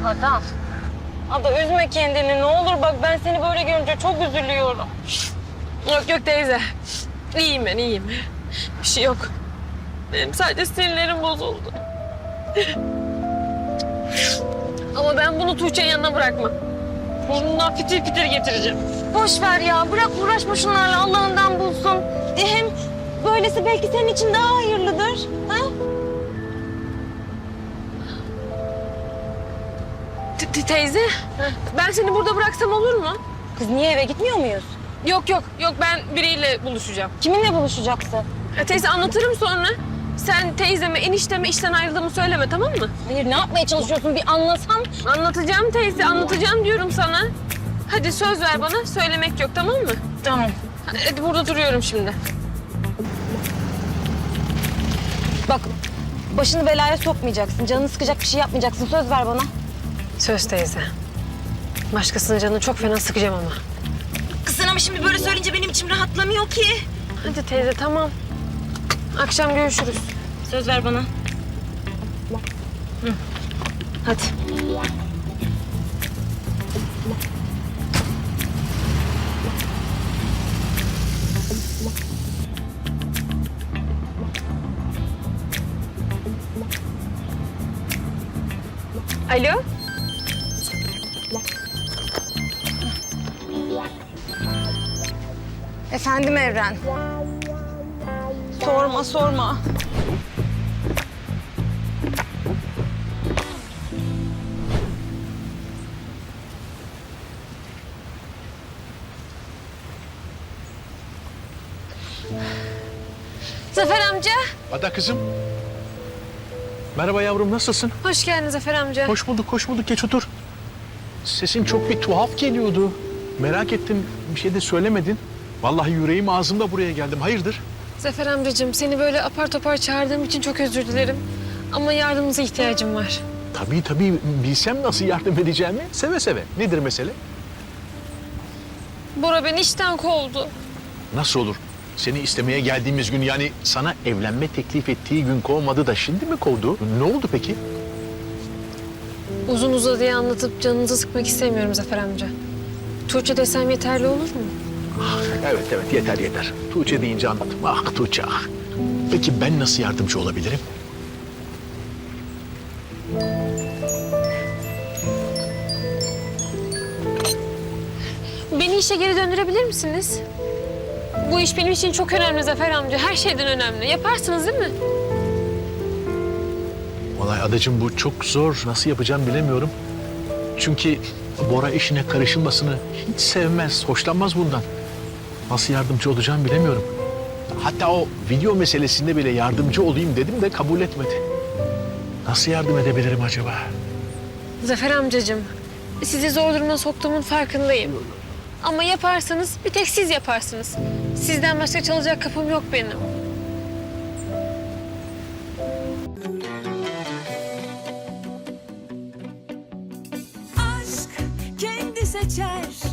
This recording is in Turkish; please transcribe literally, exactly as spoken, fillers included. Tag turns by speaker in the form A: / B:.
A: Ada. Ada üzme kendini ne olur bak ben seni böyle görünce çok üzülüyorum.
B: Yok yok teyze. İyiyim ben iyiyim. Bir şey yok. Benim sadece sinirlerim bozuldu. Ama ben bunu Tuğçe'nin yanına bırakmam. Burnundan fitil fitil getireceğim.
A: Boş ver ya bırak uğraşma şunlarla Allah'ından bulsun. E, hem böylesi belki senin için daha hayırlıdır. Ha?
B: Te- te- Teyze, ben seni burada bıraksam olur mu?
A: Kız niye eve gitmiyor muyuz?
B: Yok yok yok ben biriyle buluşacağım.
A: Kiminle buluşacaksın?
B: Ya teyze anlatırım sonra. Sen teyzeme, enişteme işten ayrıldığımı söyleme tamam mı?
A: Hayır ne yapmaya çalışıyorsun bir anlasam.
B: Anlatacağım teyze, anlatacağım diyorum sana. Hadi söz ver bana, söylemek yok tamam mı?
A: Tamam.
B: Hadi burada duruyorum şimdi.
A: Bak başını belaya sokmayacaksın. Canını sıkacak bir şey yapmayacaksın. Söz ver bana.
B: Söz teyze. Başkasının canını çok fena sıkacağım ama.
A: Kızın ama şimdi böyle söyleyince benim içim rahatlamıyor ki.
B: Hadi teyze tamam. Akşam görüşürüz.
A: Söz ver bana. Hı. Hadi.
B: Alo?
A: Efendim Evren. Sorma sorma.
B: Zafer amca.
C: Ada kızım. Merhaba yavrum, nasılsın?
B: Hoş geldin Zafer amca.
C: Hoş bulduk, hoş bulduk. Geç otur. Sesin çok bir tuhaf geliyordu. Merak ettim, bir şey de söylemedin. Vallahi yüreğim ağzımda buraya geldim. Hayırdır?
B: Zafer amcacığım seni böyle apar topar çağırdığım için çok özür dilerim. Ama yardımınıza ihtiyacım var.
C: Tabii tabii, bilsem nasıl yardım edeceğimi seve seve. Nedir mesele?
B: Bora beni işten kovdu.
C: Nasıl olur? Seni istemeye geldiğimiz gün, yani sana evlenme teklif ettiği gün kovmadı da şimdi mi kovdu? Ne oldu peki?
B: Uzun uzadıya anlatıp canınızı sıkmak istemiyorum Zafer amca. Tuğçe desem yeterli olur mu?
C: Evet evet, yeter yeter. Tuğçe deyince anladım. Ah Tuğçe ah. Peki ben nasıl yardımcı olabilirim?
B: Beni işe geri döndürebilir misiniz? Bu iş benim için çok önemli Zafer amca. Her şeyden önemli. Yaparsınız değil mi?
C: Vallahi adacığım bu çok zor. Nasıl yapacağım bilemiyorum. Çünkü Bora işine karışılmasını hiç sevmez, hoşlanmaz bundan. Nasıl yardımcı olacağım bilemiyorum. Hatta o video meselesinde bile yardımcı olayım dedim de kabul etmedi. Nasıl yardım edebilirim acaba?
B: Zafer amcacığım, sizi zor duruma soktuğumun farkındayım. Ama yaparsanız bir tek siz yaparsınız. Sizden başka çalacak kapım yok benim.
D: Aşk kendi seçer